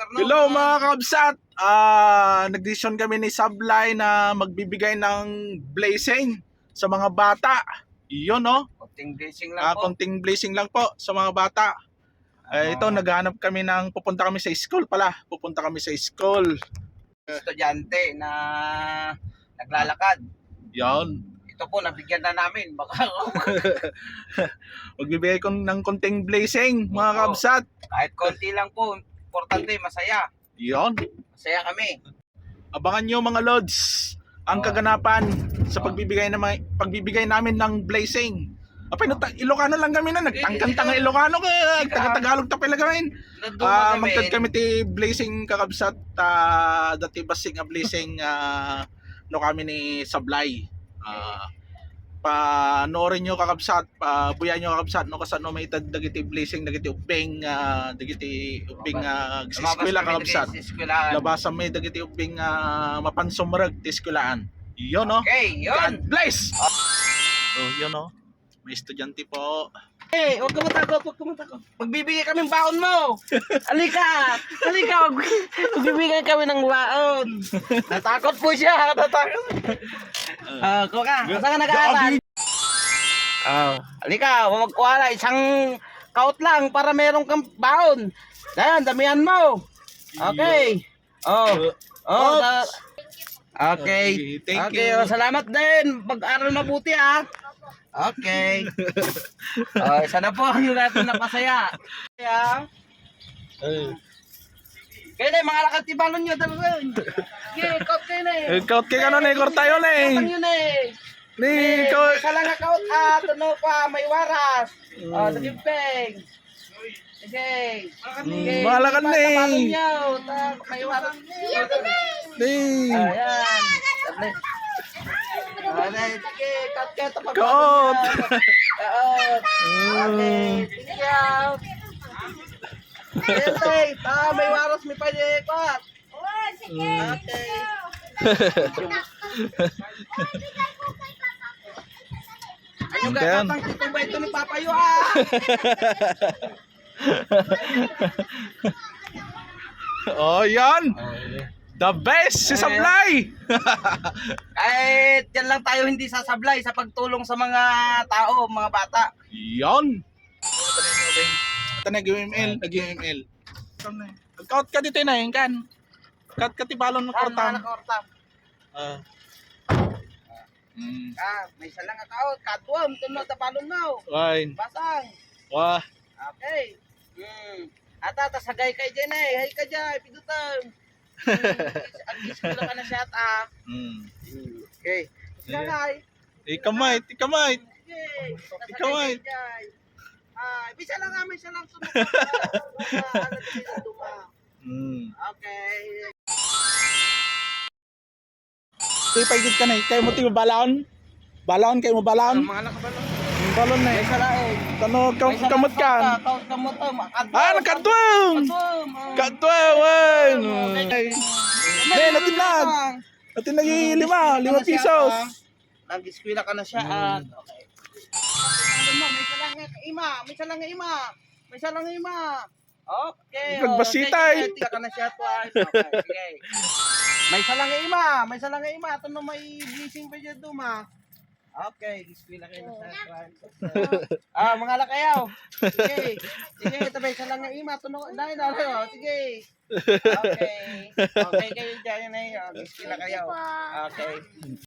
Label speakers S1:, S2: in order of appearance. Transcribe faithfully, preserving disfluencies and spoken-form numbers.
S1: Hello mga kabsat! Ah, nag-decision kami ni Sablay na magbibigay ng blessing sa mga bata. Iyon no?
S2: Konting blessing lang
S1: Ah,
S2: po.
S1: konting blessing lang po sa mga bata. Eh, ito,
S2: Ah.
S1: naghahanap kami ng pupunta kami sa school pala. Pupunta kami sa school.
S2: Estudyante na naglalakad.
S1: Yon.
S2: Ito po, nabigyan na namin. Baka
S1: Magbibigay ko ng konting blessing mga
S2: Oo.
S1: kabsat.
S2: kahit konti lang po. Importante, masaya.
S1: Yon.
S2: Masaya kami.
S1: Abangan nyo mga lods ang
S2: Oo.
S1: kaganapan sa
S2: Oo.
S1: pagbibigay na pagbibigay namin ng blessing. Apay no, Ilocano lang kami na nagtangkantang Ilocano ka, taga-Tagalog ta pala gawin. Ah,
S2: Nandun
S1: magtad
S2: kami.
S1: kami ti blessing kakabsat ta dati basing a blessing ah, no kami ni Sablay. Ah, pa noorin nyo kakabsat, pa buyan nyo kakabsat no kasano may itad dagiti blessing dagiti uping ah, dagiti uping uh, eskwela kakabsat. Labasan may dagiti uping uh, mapansumrag ti eskwelaan. Yun no.
S2: Okay, yun.
S1: God bless. Oh, yun no. May estudyante po.
S2: Eh, huwag ka matakot, huwag ka matakot. Magbibigay kami ng baon mo. Halika, halika, mag- magbibigay kami ng baon. Natakot po siya, natakot. Ah, uh, kuka, saan ka nag-aaral? Ah, halika, magkuhala, isang kaut lang para meron kang baon. Ayan, damihan mo. Okay. Oh, oh, da- okay.
S1: Thank
S2: Okay,
S1: you.
S2: oh, salamat din. Pag-aral mabuti ah. Okay. Oh, isa na po yung natin napasaya. Kaya, kaya na mga lakatibalon nyo dalawin. Okay, kaut kayo na eh.
S1: Kaut kay ano na ikor tayo na eh.
S2: Kapang yun eh.
S1: Ni
S2: Eh,
S1: ko.
S2: isa lang ang kaut at ano pa, may waras. Oh, sa gimpeng. Okay. Okay.
S1: Malakan na eh.
S2: Tabalon nyo. Ta- May waras.
S1: Ni.
S2: Ayan. Sabi. Alright, sige, cut cut tapos.
S1: Kaut.
S2: Kaut. Okay, sige yaw. Okay, ta may waras may pwede cut. Okay. Ayun ka
S1: Ayan.
S2: katang tito ba ito ni Papayo ah.
S1: Oh, yan. The best si Sablay.
S2: Kahit yan lang tayo hindi sasablay sa pagtulong sa mga tao, mga bata.
S1: Yan. Ito na nag-U M L, nag-U M L. Kaut ka dito na yun kan. Kaut ka ti balon ng
S2: Ah, mga
S1: kortam.
S2: nakortam.
S1: Ah. Mm.
S2: Ah, may isa lang akaot, katwam, tunod na palon mo.
S1: Fine.
S2: Basang.
S1: Wah.
S2: Okay. Hmm. Ata, tasagay kay dyan eh. Hay ka dyan, pidutan. Ag-iskula ka na siya at ah.
S1: Mm.
S2: Okay. Tasagay.
S1: Ikamay, ikamay.
S2: Sige.
S1: Ikaw ay.
S2: Tasagay kay dyan. Ah, bisa lang nga, bisa lang sunod. Wala, alam sila duma.
S1: Mm.
S2: Okay.
S1: Tuy paigid ka na, eh. Kayo mo ti balon. Balon kayo mo
S2: Ang
S1: balon.
S2: mga nakabalong.
S1: Balon na
S2: May
S1: eh.
S2: salain.
S1: Kano kam kamot ka.
S2: Kaut kamot ka.
S1: Ah, nakadwang.
S2: Katwam.
S1: Kadwang.
S2: Okay.
S1: Ne, natinag. Natinag lima, lima pesos.
S2: Nag-eskwela ka na siya at okay. Ano mo, may salang nga ima, may salang nga ima. May salang nga ima. Okay. oh,
S1: Nagbasitay.
S2: okay, okay, ka na siya twice. Okay. Okay. May salang nga ima, may salang nga ima. Ito no may blessing pa dyan duma. Okay, eskwela kayo na siya twice. Ah, mga lakayaw. Sige. Sige, ito may salang nga ima. Ito no, dahil na oh. Sige. Okay. Okay kayo dyan na yun. Eskwela kayo. Okay.